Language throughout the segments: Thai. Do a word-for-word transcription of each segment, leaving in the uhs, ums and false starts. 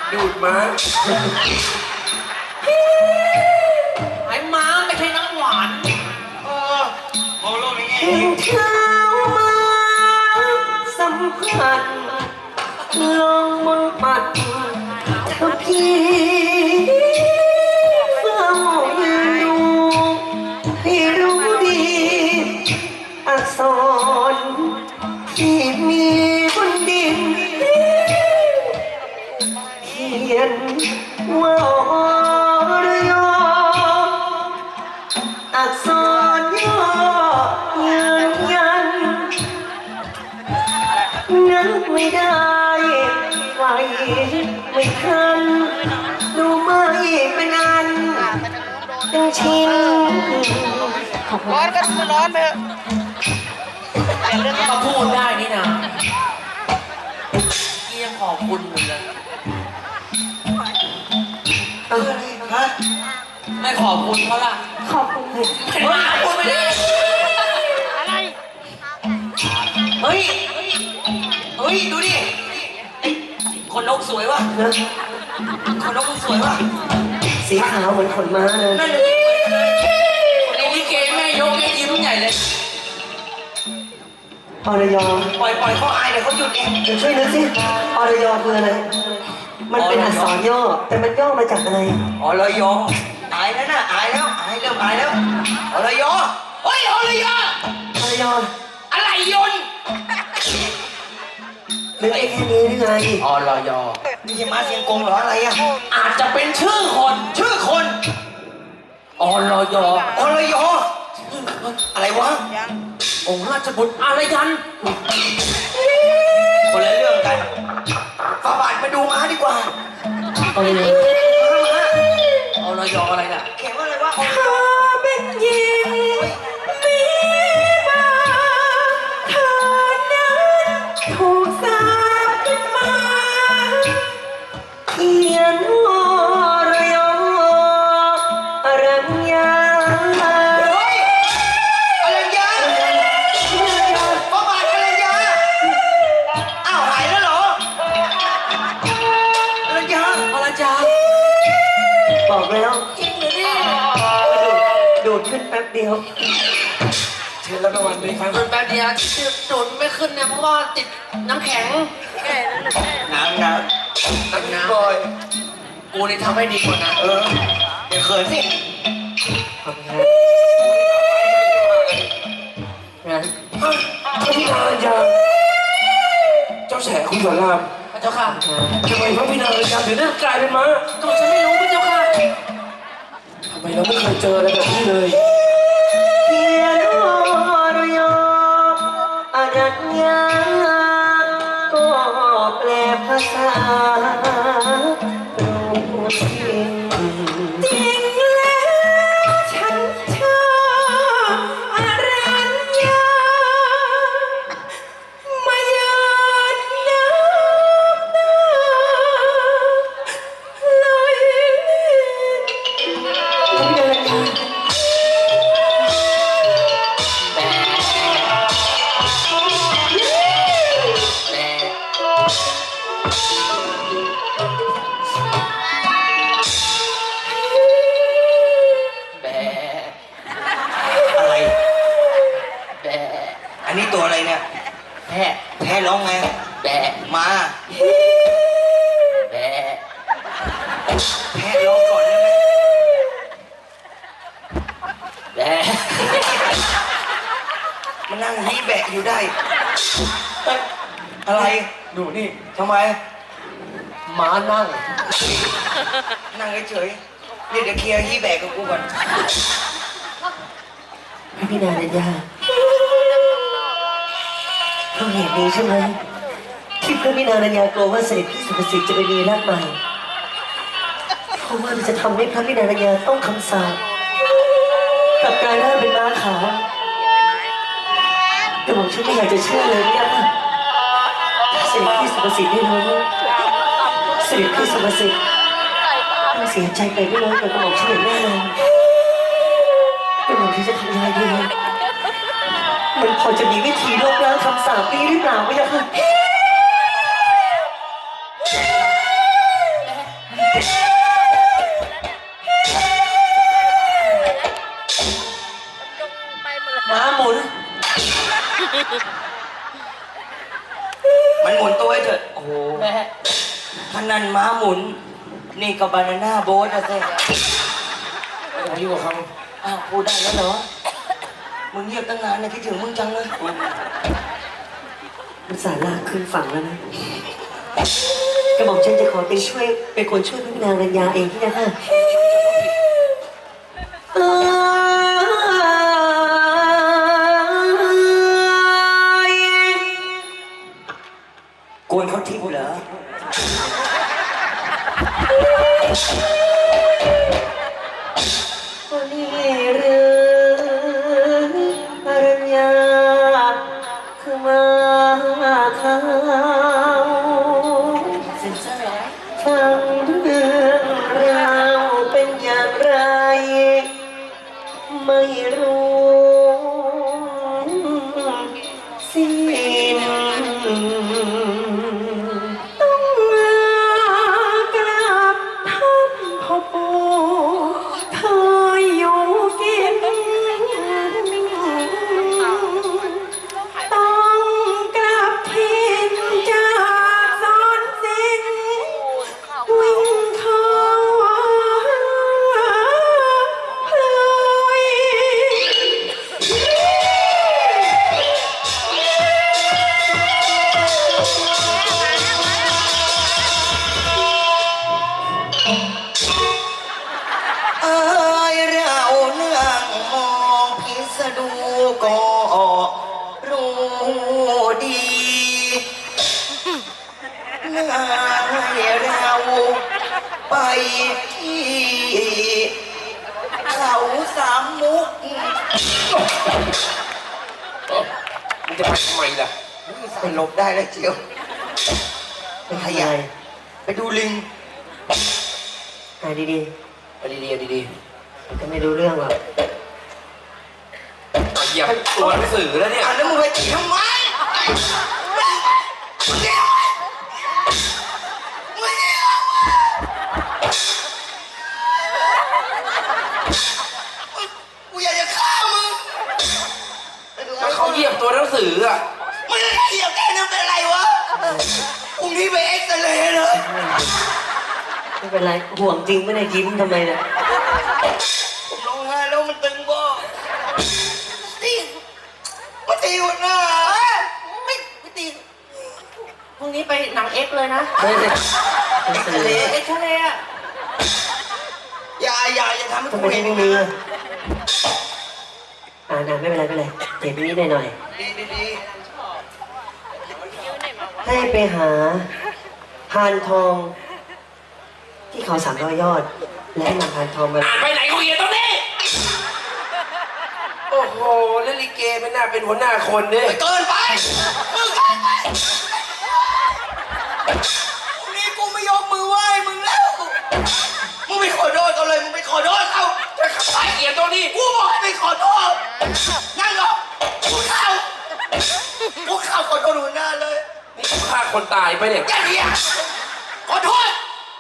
ดูดม้าไอ้ม้าไม่ใช่น้ำหวานเออมองโลกในแง่เห็นเท้ามาสัมผัสลองมนปัดเธอพี่เฝ้าดูให้รู้ดีอักษรที่มีบนดินเขียนว่าอรยอักษรย่อยืนยันนึกไม่ได้ไหวไม่ทันดูไม่เป็นอันเป็นชิ้นร้อนก็ร้อนไปเถอะมาพูดได้นี่นะเกี่ยงขอบคุณมึงเลยเออฮะไม่ขอบคุณเขาล่ะขอบคุณเห็นไหมพูดไม่ได้อะไรเฮ้ยเฮ้ยดูดิไอ้คนนกสวยวะนะคนนกมันสวยวะสีขาวเหมือนขนม้าเลยนั่นเลยคนนี้ลิเกแม่ยกแม่ยิ้มใหญ่เลยอรยปล่อยปล่อยเขาอายเดี๋ยวเขาหยุดเองเดี๋ยวช่วยนึกสิอรยคืออะไร มันเป็นอักษรย่อ แต่มันย่อมาจากอะไรอ๋อเลยยออายแล้วนะอายแล้วอายเริ่มอายแล้วอ๋อเลยยอเฮ้ยอ๋อเลยยออรยอะไรยนต์นึกได้แค่นี้หรือไงอ๋อลอยอนี่ใช่มาเสียงกงเหรออะไรอ่ะอาจจะเป็นชื่อคนชื่อคนอ๋อลอยออ๋อลอยออะไรวะยังองค์ราชบุตรอารยันคนละเรื่องกันฝาบาทมาดูม้าดีกว่าอรยเอาลอยออะไรน่ะเขียนว่าอะไรวะเธอเป็นหญิงมีมาเธอนั้นถูกสาปขึ้นมาเขียนว่าอรยอรัญญาเฮ้ยอรัญญาฝาบาทอรัญญาอ้าวหายแล้วเหรออรัญญาอรัญญาบอกแล้วจริงเหรอเนี่ยดูดขึ้นแป๊บเดียวเชิญรับรางวัลด้วยครับแป๊บเดียวดูดไม่ขึ้นเนี่ยเพราะว่าติดน้ำแข็งแก่แล้วลูกแก่น้ำน้ำน้ำน้ำบอยกูนี่ทำให้ดีกว่านะเออเดี๋ยวเขินสิขอบคุณครับนะพระพินารยาเจ้าแฉคุณสอนรามพระเจ้าค่ะทำไมพระพินารยาถึงได้กลายเป็นม้าก็ฉันไม่รู้พระเจ้าค่ะทำไมเราไม่เคยเจออะไรแบบนี้เลยเขียนว่าอรยอรัญญาก็แปลภาษารู้จริงจริงแล้วฉันชอบอรัญญามาเยินน้ำหน้าลอยเดินทางแบะแบะแบะอะไรแบะอันนี้ตัวอะไรเนี่ยแพะแพะร้องไงแบะมาแบะแพะร้องก่อนได้ไหมแบะ มันนั่งฮีแบะอยู่ได้เอ้ยอะไรดูนี่ทำไมหมานั่ง นั่งเฉยๆเดี๋ยวเดี๋ยวเคลียร์ฮีแบะกับกูก่อนพระพินารัญญาเพราะเหตุนี้ใช่ไหมที่พระพินารัญญากลัวว่าเสด็จพี่สุภสิทธิ์จะไปมีรักใหม่เพราะว่ามันจะทำให้พระพินารัญญาต้องคำสาปกลับกลายร่างเป็นม้าขาวแต่ผมฉันไม่อยากจะเชื่อเลยเนี่ยเสด็จพี่สุภสิทธิ์ได้รู้เสด็จพี่สุภสิทธิ์ต้องเสียใจไปไม่น้อยกว่ากระหม่อมฉันอย่างแน่นอนกระหม่อมฉันจะทำยังไงดีมันพอจะมีวิธีลบล้างคำสาปนี้หรือเปล่าไม่ยากค่ะมันหมุนตัวให้เถอะ โอ้โหแม่พนันม้าหมุน นี่ก็บานาน่าโบ๊ทนะเซ่ไม่ต้องยุ่งกับเขาอ้าวพูดได้แล้วเหรอ มึงเงียบตั้งนานเนี่ยคิดถึงมึงจังเลยมันสารลากขึ้นฝั่งแล้วนะกระหม่อมฉันจะขอเป็นช่วยเป็นคนช่วยพระนางรัญญาเองที่นะคะเอ้ยกวนเขาทิพย์เหรอวันนี้หรืออรัญญาคือมาข่าวฟังเรื่องราวเป็นอย่างไร ไม่รู้สิ้นต้องลากลับท่านพ่อปู่เคยอยู่กินต้องกลับถิ่นจากสอนสิงวิ่งเข้าพลอยเอ้ยเราเนื่องมองพิสดูก็รู้ดีเนื่องให้เราไปที่เขาสามมุกมึงจะไปทำไมล่ะไปหลบได้แล้วเจียวเป็นขยายไปดูลิงหายดีเอาดีๆเอาดีๆก็ไม่รู้เรื่องหรอกๆเหยียบตัวหนังสือแล้วเนี่ยอ่ะแล้วมึงไปตีทำไมมึงเดียวมึงเดียวกูอยากจะฆ่ามึงก็เขาเหยียบตัวหนังสืออ่ะมึงจะเหยียบแค่นั้นเป็นไรวะพรุ่งนี้ไปเอ็กซเรย์เลยไม่เป็นไรห่วงจริงไม่ได้ยิ้มทำไมเนี่ยผมร้องไห้แล้วมันตึงบ่ตีมาตีหัวหน้าไม่ไม่ตีพรุ่งนี้ไปหนังเอ็กซ์เลยนะเฮ้ยเป็นเอ็กเสซน่เรห์ย์เอ็กซ์ทะเลอะอย่าอย่าอย่าทำให้ทำกูไมเห็นไม่มีอ่ะอ่านะไม่เป็นไรไม่เป็นไรเจ็บนิดหน่อยดีดีดีๆให้ไปหาพานทอง ที่เขาสามร้อยยอด และให้นำพานทองมาอ่านไปไหนกูเหยียบตรงนี้ โอ้โหแล้วลิเกไม่น่าเป็นหัวหน้าคนเนี่ยเกินไปมึงเกินไปพรุ่งนี้กูไม่ยกมือไหว้มึงแล้วมึงไปขอโทษเขาเลยมึงไปขอโทษเขาจะขับสายเหยียบตรงนี้กูบอกให้ไปขอโทษนั่งลงกูเข้ากูเข้าขอโทษหัวหน้าเลยนี่กูฆ่าคนตายไปเนี่ยแกเรียกขอโทษ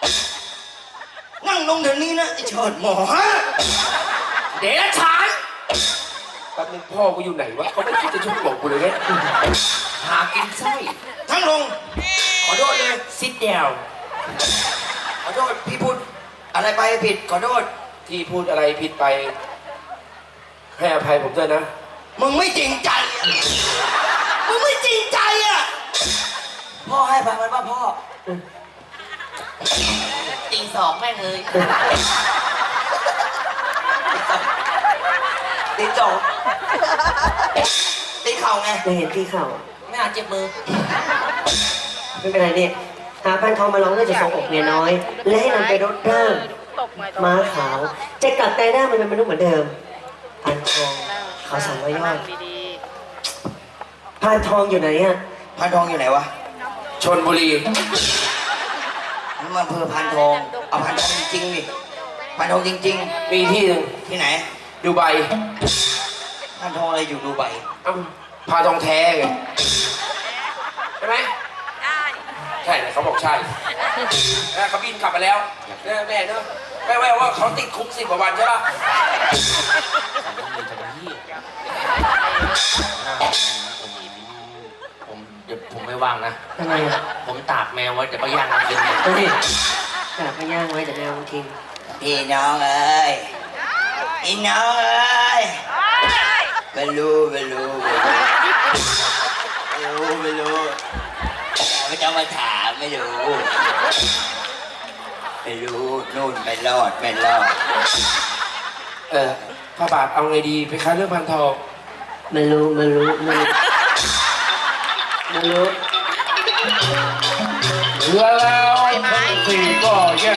นั่งลงเดี๋ยวนี้นะไอ้เฉิดหมอฮะเดรัจฉานแป๊บนึงพ่อกูอยู่ไหนวะเขาไม่คิดจะช่วยบอกกูเลยเนี่ยหากินไส้ทั้งลง ขอโทษเลยซิดเดียวขอโทษพี่พูดอะไรไปผิดขอโทษที่พูดอะไรผิดไป ให้อภัยผมด้วยนะมึงไม่จริงใจอะมึงไม่จริงใจอ่ะพ่อให้พังมันป่ะพ่อตีสองแม่งเลยตีจอกตีเข่าไงไม่เห็นที่เข่าไม่อาจเจ็บมือไม่เป็นไรเนี่ยหาพานทองมาร้องเพื่อจะส่งอกเมียน้อย และให้นำไปรดร่างม้าขาว จะกลับใจได้มันเป็นมนุษย์เหมือนเดิมพานทองเขาสามร้อยยอดพานทองอยู่ไหนอ่ะพานทองอยู่ไหนวะชนบุรีนี่มันอำเภอพานทองเอาพานทองจริงๆดิพานทองจริงมีที่หนึ่งๆ ที่ไหนดูไบพานทองอะไรอยู่ดูไบเอ้าพาทองแท้ไงใช่ไหมใช่เลยเขาบอกใช่แล้วเขาบินกลับมาแล้วเนี่ยแม่เนอะแม่แม่ว่าเขาติดคุกสิบกว่าวันใช่ปะผมเดี๋ยวผมไปว่างนะทำไมอ่ะผมตากแมวไว้จะไปย่างกินเนี่ยเฮ้ยกลับมาย่างไว้แต่แมวกินพี่น้องเอ้ยพี่น้องเอ้ยไม่รู้ไม่รู้ไม่รู้ไม่รู้ไม่ต้องมาถามไม่รู้ไม่รู้นู่นไม่รอดไม่รอดเออพระบาทเอาไงดีไปค้าเรื่องพันทองไม่รู้ไม่รู้ไม่รู้ไม่รู้แล้วทั้งสี่ก็แยก